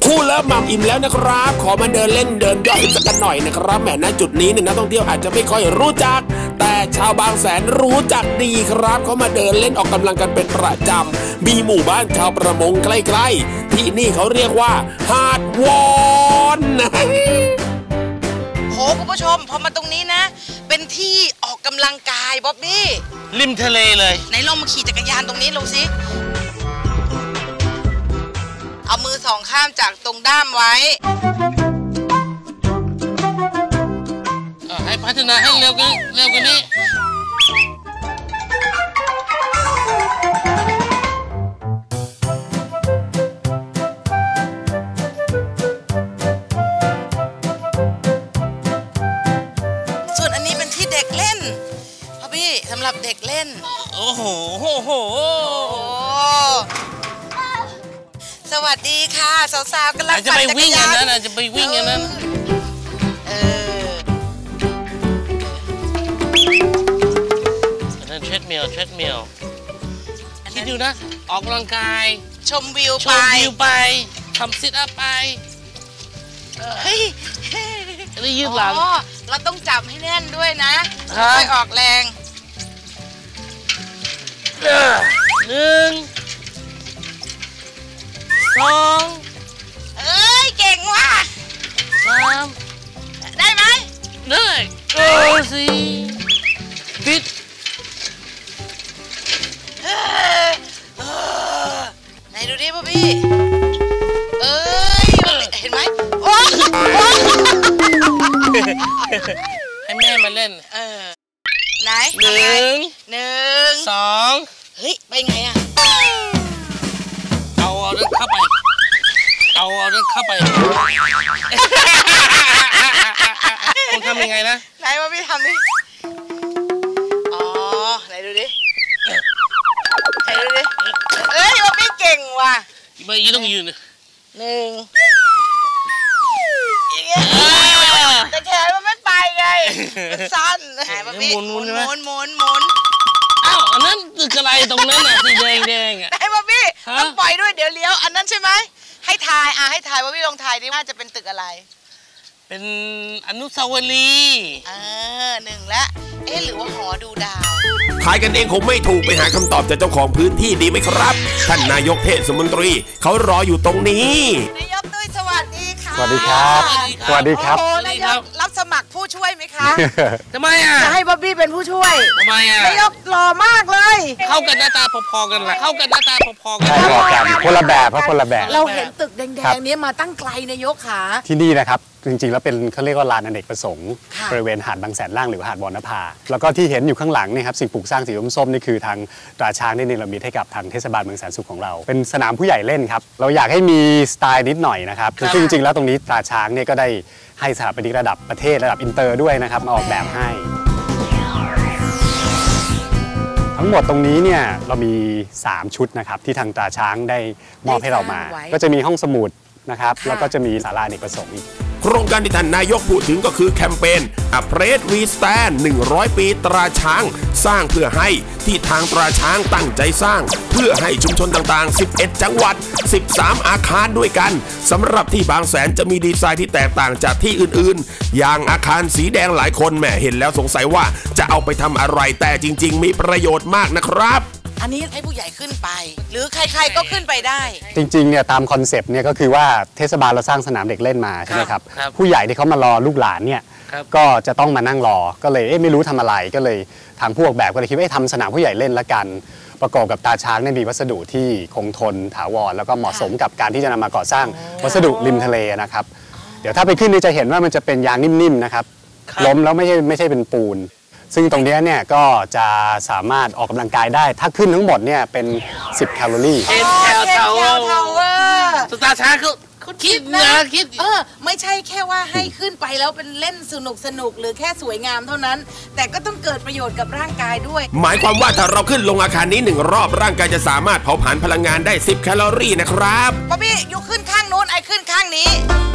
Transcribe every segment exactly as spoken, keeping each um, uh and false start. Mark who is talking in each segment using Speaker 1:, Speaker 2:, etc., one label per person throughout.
Speaker 1: คู่เลิฟมัมอิ่มแล้วนะครับขอมาเดินเล่นเดินย่อยสักกันหน่อยนะครับแหมณจุดนี้เนี่ยนักท่องเที่ยวอาจจะไม่ค่อยรู้จักแต่ชาวบางแสนรู้จักดีครับเขามาเดินเล่นออกกำลังกันเป็นประจำมีหมู่บ้านชาวประมงใกล้ๆที่นี่เขาเรียกว่าหาดวอน
Speaker 2: โหคุณผู้ชมพอมาตรงนี้นะเป็นที่ออกกำลังกายบ๊อบบี้
Speaker 3: ริมทะเลเลย
Speaker 2: ไหนลองมาขี่จักรยานตรงนี้ลงสิเอามือสองข้ามจากตรงด้ามไว้
Speaker 3: ให้พัฒนาให้เร็วกันเร็วกันนี้
Speaker 2: ส่วนอันนี้เป็นที่เด็กเล่นพ่อพี่สำหรับเด็กเล่น
Speaker 3: โอ้โหโหโห
Speaker 2: สวัสดีค่ะสาวๆกำลัง
Speaker 3: จะไปวิ่งอย่างนั้นจะไปวิ่งอย่างนั้น
Speaker 2: เออ
Speaker 3: อันนั้นเทรดมิลเทรดมิลคิดดูนะออกกำลังกาย
Speaker 2: ชมวิวไป
Speaker 3: ชมวิวไปทำซิทอัพไป
Speaker 2: เฮ้ย
Speaker 3: จะได้ยืดหลัง
Speaker 2: เราต้องจับให้แน่นด้วยนะไม่ออกแรง
Speaker 3: หนึ่งสอง
Speaker 2: เอ้ยเก่งว่ะ
Speaker 3: สาม
Speaker 2: ได้ไหม
Speaker 3: ได้โอ้สี่ปิด
Speaker 2: ไหนดูดิพ่อพี่เอ้ยเห็นไหมโอ้
Speaker 3: ให้แม่มาเล่น
Speaker 2: เออไหน
Speaker 3: หนึ่ง
Speaker 2: หนึ่ง
Speaker 3: สอง
Speaker 2: เฮ้ยไปไงอะ
Speaker 3: เอาเอาเรื่องเข้าไปเอาเอาเรื่องเข้าไปคุณทำยังไงนะ
Speaker 2: ไหนว่าพี่ทำดิอ๋อไหนดูดิไหนดูดิเอ้ยว่าพี่เก่งว่ะ
Speaker 3: ไม่ยืนต้องยืน
Speaker 2: หนึ่งแต่แขนมันไม่ไปไงมันสั้นไหนว่าพี่หมุนหมุนหมุนหมุน
Speaker 3: อ้าวอันนั้นตึกอะไรตรงนั้นน่ะสีแดงแดงอ่ะ
Speaker 2: ไหนว่าพี่ต้องปล่อยด้วยเดี๋ยวเลี้ยวอันนั้นใช่ไหมให้ทายอ่ะให้ทายว่าพี่ลองทายดิว่าจะเป็นตึกอะไร
Speaker 3: เป็นอนุสาวรีย์
Speaker 2: เออหนึ่งละเอ๊ะหรือว่าหอดูดาว
Speaker 1: ทายกันเองคงไม่ถูกไปหาคำตอบจากเจ้าของพื้นที่ดีไหมครับท่านนายกเทศมนตรีเขารออยู่ตรงนี้
Speaker 2: นายกตุ้ยสวัสดีค่ะ
Speaker 4: สวัสดีครับสวัสดีครับ
Speaker 2: โอ้นายกรับสมัครผู้ช่วยไหมคะ
Speaker 3: ทำไมอ่ะ
Speaker 2: จะให้บ๊อบบี้เป็นผู้ช่วย
Speaker 3: ทำไมอ่ะ
Speaker 2: นายกหล่อมากเลย
Speaker 3: เข้ากันหน้าตาพอๆกันแหละเข้ากันหน้าตาพอๆกัน
Speaker 4: ใช่พอกันคนละแบบครับคนละแบบ
Speaker 2: เราเห็นตึกแดงๆนี้มาตั้งไกลนายกขา
Speaker 4: ที่นี่นะครับจริงๆแล้วเป็นเขาเรียกว่าลานอเนกประสงค์บริเวณหาดบางแสนล่างหรือหาดวรรณภาแล้วก็ที่เห็นอยู่ข้างหลังนี่ครับสิ่งปลูกสร้างสีส้มๆนี่คือทางตราช้างได้เนรมิตให้กับทางเทศบาลเมืองแสนสุขของเราเป็นสนามผู้ใหญ่เล่นครับเราอยากให้มีสไตล์นิดหน่อยนะครับคือจริงๆแล้วตรงนี้ตราช้างเนี่ยก็ได้ให้สถาปนิกระดับประเทศระดับอินเตอร์ด้วยนะครับมาออกแบบให้ทั้งหมดตรงนี้เนี่ยเรามีสามชุดนะครับที่ทางตราช้างได้มอบให้เรามาก็จะมีห้องสมุดนะครับแล้วก็จะมีศาลาอเนกประสงค์อีก
Speaker 1: โครงการที่ท่านนายกพูดถึงก็คือแคมเปญ A Place We Stand หนึ่งร้อยปีตราช้างสร้างเพื่อให้ที่ทางตราช้างตั้งใจสร้างเพื่อให้ชุมชนต่างๆสิบเอ็ดจังหวัดสิบสามอาคารด้วยกันสำหรับที่บางแสนจะมีดีไซน์ที่แตกต่างจากที่อื่นๆอย่างอาคารสีแดงหลายคนแหมเห็นแล้วสงสัยว่าจะเอาไปทำอะไรแต่จริงๆมีประโยชน์มากนะครับ
Speaker 2: อันนี้ให้ผู้ใหญ่ขึ้นไปหรือใครๆก็ขึ้นไปได้
Speaker 4: จริงๆเนี่ยตามคอนเซปต์เนี่ยก็คือว่าเทศบาลเราสร้างสนามเด็กเล่นมาใช่ไหมครับผู้ใหญ่ที่เขามารอลูกหลานเนี่ยก็จะต้องมานั่งรอก็เลยเอ๊ะไม่รู้ทำอะไรก็เลยทางผู้ออกแบบก็เลยคิดว่าทำสนามผู้ใหญ่เล่นละกันประกอบกับตาช้างเนี่ยมีวัสดุที่คงทนถาวรแล้วก็เหมาะสมกับการที่จะนำมาก่อสร้างวัสดุริมทะเลนะครับเดี๋ยวถ้าไปขึ้นนี่จะเห็นว่ามันจะเป็นยางนิ่มๆนะครับล้มแล้วไม่ใช่ไม่ใช่เป็นปูนซึ่งตรงนี้เนี่ยก็จะสามารถออกกำลังกายได้ถ้าขึ้นทั้งหมดเนี่ยเป็นสิบแคลอรี่
Speaker 3: เอ็นแคลทาวเวอร์สตาร์ช้างเขาเขาคิดนะคิด
Speaker 2: เออไม่ใช่แค่ว่าให้ขึ้นไปแล้วเป็นเล่นสนุกสนุกหรือแค่สวยงามเท่านั้นแต่ก็ต้องเกิดประโยชน์กับร่างกายด้วย
Speaker 1: หมายความว่าถ้าเราขึ้นลงอาคารนี้หนึ่งรอบร่างกายจะสามารถเผาผลาญพลังงานได้สิบแคลอรี่นะครับ
Speaker 2: ป๊อบบี้ยกขึ้นข้างโน้นไอ้ขึ้นข้างนี้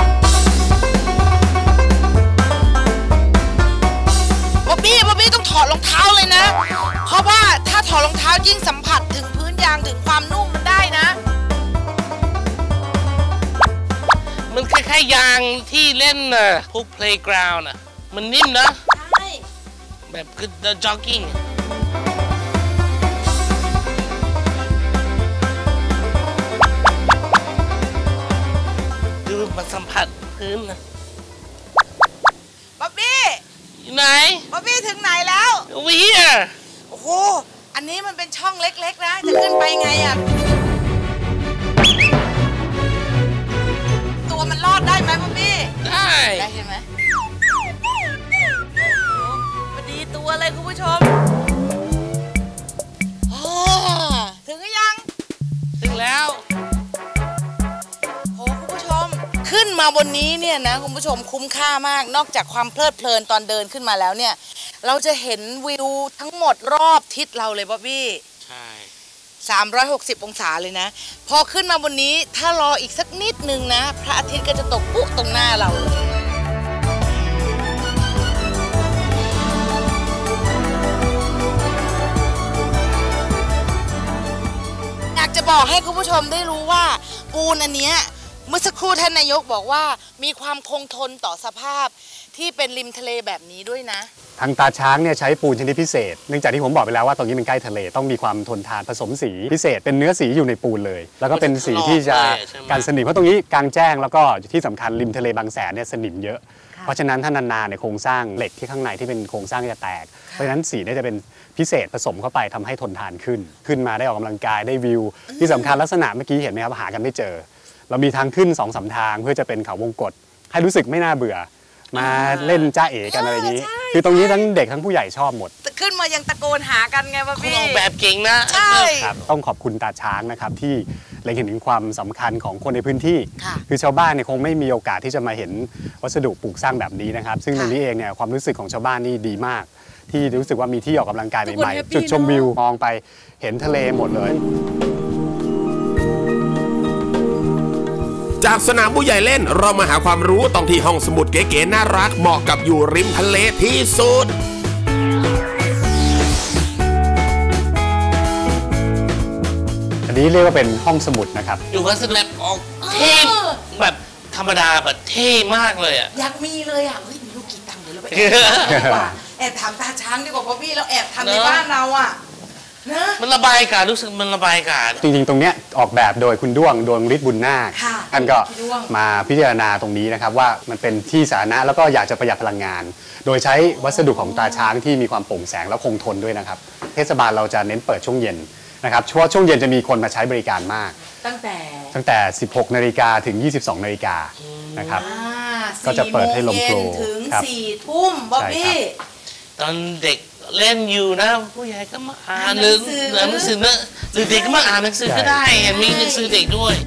Speaker 2: บ๊อบบี้บ๊อบบี้ต้องถอดรองเท้าเลยนะเพราะว่าถ้าถอดรองเท้ายิ่งสัมผัสถึงพื้นยางถึงความนุ่มมันได้นะ
Speaker 3: ให้ยางที่เล่นน่ะพวก playground น่ะมันนิ่มนะใช่แบบคือ the jogging ดูมาสัมผัสพื้นนะ
Speaker 2: บ๊อบบี้
Speaker 3: อยู่ไหน
Speaker 2: บ๊อบบี้ถึงไหนแล้ว
Speaker 3: over here
Speaker 2: โอ้โหอันนี้มันเป็นช่องเล็กๆนะจะขึ้นไปไงอ่ะตัวมันรอดได้ไหมบ๊อบบี้
Speaker 3: ได้
Speaker 2: ได้ใช่ไหมพอดีตัวเลยคุณผู้ชมถึงหรือยัง
Speaker 3: ถึงแล้ว
Speaker 2: โอ้คุณผู้ชมขึ้นมาบนนี้เนี่ยนะคุณผู้ชมคุ้มค่ามากนอกจากความเพลิดเพลินตอนเดินขึ้นมาแล้วเนี่ยเราจะเห็นวิวทั้งหมดรอบทิศเราเลยบ๊อบบี้
Speaker 3: ใช่
Speaker 2: สามร้อยหกสิบองศาเลยนะพอขึ้นมาบนนี้ถ้ารออีกสักนิดนึงนะพระอาทิตย์ก็จะตกปุ๊บตรงหน้าเราเลยอยากจะบอกให้คุณผู้ชมได้รู้ว่าปูนอันเนี้ยเมื่อสักครู่ท่านนายกบอกว่ามีความคงทนต่อสภาพที่เป็นริมทะเลแบบนี้ด้วยนะ
Speaker 4: ทางตาช้างเนี่ยใช้ปูนชนิดพิเศษเนื่องจากที่ผมบอกไปแล้วว่าตรงนี้เป็นใกล้ทะเลต้องมีความทนทานผสมสีพิเศษเป็นเนื้อสีอยู่ในปูนเลยแล้วก็เป็นสีที่จะกันสนิมเพราะตรงนี้กลางแจ้งแล้วก็ที่สำคัญริมทะเลบางแสนเนี่ยสนิมเยอะเพราะฉะนั้นถ้านานๆในโครงสร้างเหล็กที่ข้างในที่เป็นโครงสร้างจะแตกเพราะฉะนั้นสีเนี่ยจะเป็นพิเศษผสมเข้าไปทำให้ทนทานขึ้นขึ้นมาได้ออกกำลังกายได้วิวที่สำคัญลักษณะเมื่อกี้เห็นไหมครับหากันไม่เจอเรามีทางขึ้น สองสาม ทางเพื่อจะเป็นเขาวงกตให้รู้สึกไม่น่าเบื่อมาเล่นจ้าเอ๋กันอะไรอย่างนี้คือตรงนี้ทั้งเด็กทั้งผู้ใหญ่ชอบหมด
Speaker 2: ขึ้นมายังตะโกนหากันไงว่าพี่
Speaker 3: ออกแบบเก่งนะ
Speaker 2: ใช่
Speaker 4: ครับต้องขอบคุณตาช้างนะครับที่เล็งเห็นถึงความสำคัญของคนในพื้นที่คือชาวบ้านเนี่ยคงไม่มีโอกาสที่จะมาเห็นวัสดุปลูกสร้างแบบนี้นะครับซึ่งตรงนี้เองเนี่ยความรู้สึกของชาวบ้านนี่ดีมากที่รู้สึกว่ามีที่ออกกำลังกายใหม่ๆจุดชมวิวมองไปเห็นทะเลหมดเลย
Speaker 1: จากสนามผู้ใหญ่เล่นเรามาหาความรู้ตรงที่ห้องสมุดเก๋ๆน่ารักเหมาะกับอยู่ริมทะเลที่สุด
Speaker 4: อันนี้เรียกว่าเป็นห้องสมุดนะครับ
Speaker 3: อยู่วัสดุแบบออกเท่แบบธรรมดาแบบเท่มากเลยอ่ะ
Speaker 2: อยากมีเลยอ่ะเฮ้ยมีลูกกี่ตังค์เดี๋ยวเราไปแอบถามตาช้างดีกว่าเพราะพี่เราแอบทำในบ้านเราอ่ะ
Speaker 3: มันระบายอากาศรู้สึกมันระบายอากาศ
Speaker 4: จริงๆตรงเนี้ยออกแบบโดยคุณด้วงดวงฤทธิ์บุญนาคท่านก็มาพิจารณาตรงนี้นะครับว่ามันเป็นที่สาธารณะแล้วก็อยากจะประหยัดพลังงานโดยใช้วัสดุของตาช้างที่มีความโปร่งแสงและคงทนด้วยนะครับเทศบาลเราจะเน้นเปิดช่วงเย็นนะครับช่วงช่วงเย็นจะมีคนมาใช้บริการมาก
Speaker 2: ตั้งแต่
Speaker 4: ตั้งแต่สิบหกนาฬิกาถึงยี่สิบสองนาฬิกานะครับก็จะเปิดให้ลมโฟลว์
Speaker 2: ถึงสี่ทุ่มบ๊อบบี้
Speaker 3: ตอนเด็กเล่นอยู่นะผู้ใหญ่ก็มาอ่านหรือหนังสือนะหรือเด็กก็มาอ่านหนังสือก็ได้มีหนังสือเด็กด้วย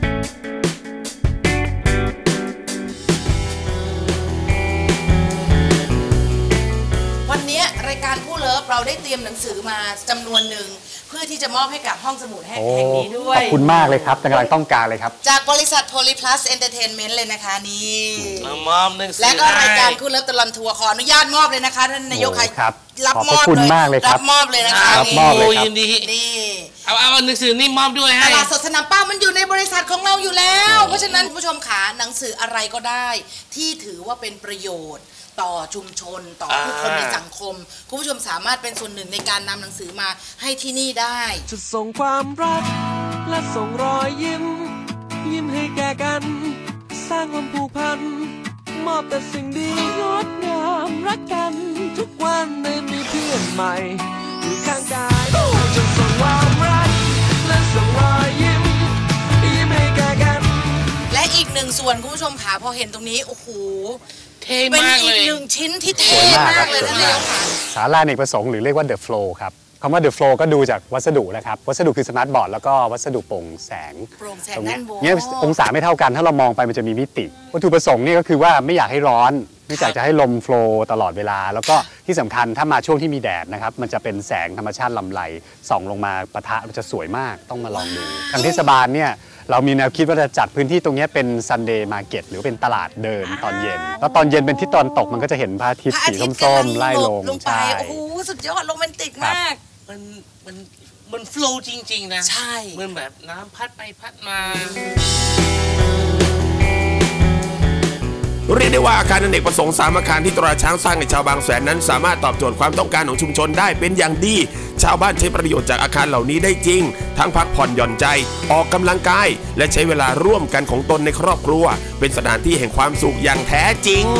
Speaker 2: วันนี้รายการผู้เลิฟเราได้เตรียมหนังสือมาจำนวนหนึ่งเพื่อที่จะมอบให้กับห้องสมุดแห่งนี้ด้วย
Speaker 4: ขอบคุณมากเลยครับกำลังต้องการเลยครับ
Speaker 2: จากบริษัท Polyplus Entertainment เลยนะคะนี่
Speaker 3: มอบหนังสือ
Speaker 2: และก็รายการผู้เลิฟตลอดทัวร์ขออนุญาตมอบเลยนะคะท่านนายก
Speaker 4: ครับ
Speaker 2: รับมอบเลยรับมอบเลยนะคะ
Speaker 4: รับมอบเลยครับ
Speaker 2: นี่
Speaker 3: เอาเอาหนังสือนี่มอบด้วยให้
Speaker 2: ตลาดสดสนามเป้ามันอยู่ในบริษัทของเราอยู่แล้วเพราะฉะนั้นผู้ชมขาหนังสืออะไรก็ได้ที่ถือว่าเป็นประโยชน์ต่อชุมชนต่อผู้คนในสังคมคุณผู้ชมสามารถเป็นส่วนหนึ่งในการนำหนังสือมาให้ที่นี่ได้
Speaker 5: จะส่งความรักและส่งรอยยิ้มยิ้มให้แก่กันสร้างความผูกพันมอบแต่สิ่งดีงดงามรักกันทุกวันได้มีเพื่อนใหม่อยู่ข้างกายจะส่งความรักและส่งรอยยิ้มยิ้มให้แก่กัน
Speaker 2: และอีกหนึ่งส่วนคุณผู้ชมขาพอเห็นตรงนี้โอ้โห
Speaker 3: เป็น
Speaker 2: อีกหนึ่งชิ้นที่เท่มากเลยนะ
Speaker 4: ศาลาอเนกประสงค์หรือเรียกว่า The Flow ครับคำว่า The Flow ก็ดูจากวัสดุนะครับวัสดุคือสมาร์ทบอร์ดแล้วก็วัสดุโปร่งแสง
Speaker 2: ตรงนี้
Speaker 4: เนี่ยองศาไม่เท่ากันถ้าเรามองไปมันจะมีมิติวัตถุประสงค์นี่ก็คือว่าไม่อยากให้ร้อนไม่อยากจะให้ลมโฟลว์ตลอดเวลาแล้วก็ที่สำคัญถ้ามาช่วงที่มีแดดนะครับมันจะเป็นแสงธรรมชาติลำไรส่องลงมาปะทะมันจะสวยมากต้องมาลองดูทางเทศบาลเนี่ยเรามีแนวคิดว่าจะจัดพื้นที่ตรงนี้เป็นซันเดย์มาร์เก็ตหรือเป็นตลาดเดินตอนเย็นแล้วตอนเย็นเป็นทิศตะวันตกมันก็จะเห็นพระอาทิตย์สีส้มๆไล่ลง
Speaker 2: ใช่โอ้โหสุดยอดโรแมนติกมาก
Speaker 3: มันมันมันโฟล์จริงๆนะ
Speaker 2: ใช่
Speaker 3: เหมือนแบบน้ำพัดไปพัดมา
Speaker 1: เรียกได้ว่าอาคารอเนกประสงค์สามอาคารที่ตราช้างสร้างในชาวบางแสนนั้นสามารถตอบโจทย์ความต้องการของชุมชนได้เป็นอย่างดีชาวบ้านใช้ประโยชน์จากอาคารเหล่านี้ได้จริงทั้งพักผ่อนหย่อนใจออกกำลังกายและใช้เวลาร่วมกันของตนในครอบครัวเป็นสถานที่แห่งความสุขอย่างแท้จริง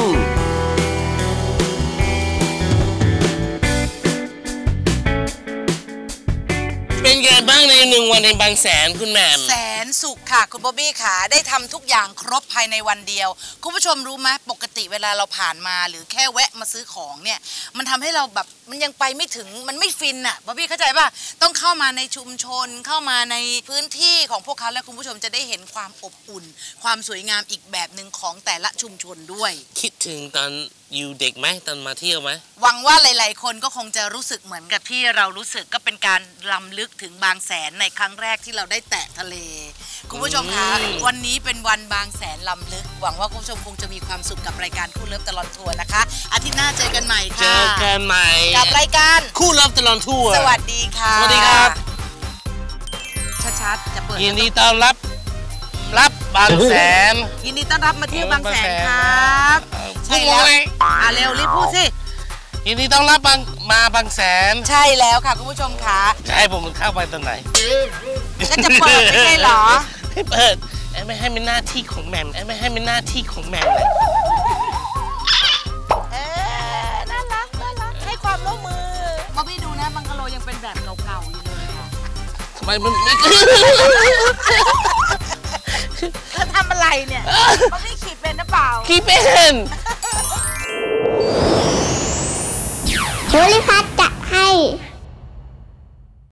Speaker 3: เป็นไงบ้างในหนึ่งวันในบางแสนคุณแหม่ม
Speaker 2: แสนสุขค่ะคุณบ๊อบบี้ค่ะได้ทำทุกอย่างครบภายในวันเดียวคุณผู้ชมรู้ไหมปกติเวลาเราผ่านมาหรือแค่แวะมาซื้อของเนี่ยมันทำให้เราแบบมันยังไปไม่ถึงมันไม่ฟินอ่ะบ๊อบบี้เข้าใจป่ะต้องเข้ามาในชุมชนเข้ามาในพื้นที่ของพวกเขาและคุณผู้ชมจะได้เห็นความอบอุ่นความสวยงามอีกแบบหนึ่งของแต่ละชุมชนด้วย
Speaker 3: คิดถึงตอนอยู่เด็กไหมตอนมาเที่ยวไหม
Speaker 2: หวังว่าหลายๆคนก็คงจะรู้สึกเหมือนกับที่เรารู้สึกก็เป็นการรำลึกถึงบางแสนในครั้งแรกที่เราได้แตะทะเลคุณผู้ชมคะวันนี้เป็นวันบางแสนรำลึกหวังว่าคุณผู้ชมคงจะมีความสุขกับรายการคู่เลิฟตลอดทัวร์นะคะอาทิตย์หน้าเจอกันใหม่ค่ะ
Speaker 3: เจอกันใหม่
Speaker 2: กับรายการ
Speaker 3: คู่เลิฟตลอดทัวร์
Speaker 2: สวัสดีค่ะ
Speaker 3: สวัสดีครับ
Speaker 2: ชัดๆจะเปิด
Speaker 3: ยินดีต้อนรับรับบางแสน
Speaker 2: ยินดีต้อนรับมาเที่ยวบางแสนครับใช่แล้วอ่ะเร็วรีบพูดสิ
Speaker 3: ยินดีต้อนรับบางมาบางแสน
Speaker 2: ใช่แล้วค่ะคุณผู้ชมคะ
Speaker 3: จะให้ผมเข้าไปตอนไหน
Speaker 2: ก็จะเปิดไม่ใช่หรอ
Speaker 3: ให้เปิดไม่ให้เป็นหน้าที่ของแหม่มไม่ให้เป็นหน้าที่ของแหม่มเลย
Speaker 2: เออน่ารักน่ารักให้ความร่วมมือบ๊อบบี้ดูนะบังกะโลยังเป็นแบบเก่าๆอยู่เลยค่ะ
Speaker 3: ทำไมมันไม่
Speaker 2: เธอทำอะไรเนี่ยบ๊อบบี้ขี่เป็นหรือเปล่า
Speaker 3: ขี่เป็น
Speaker 6: โพลิพัทจัดให้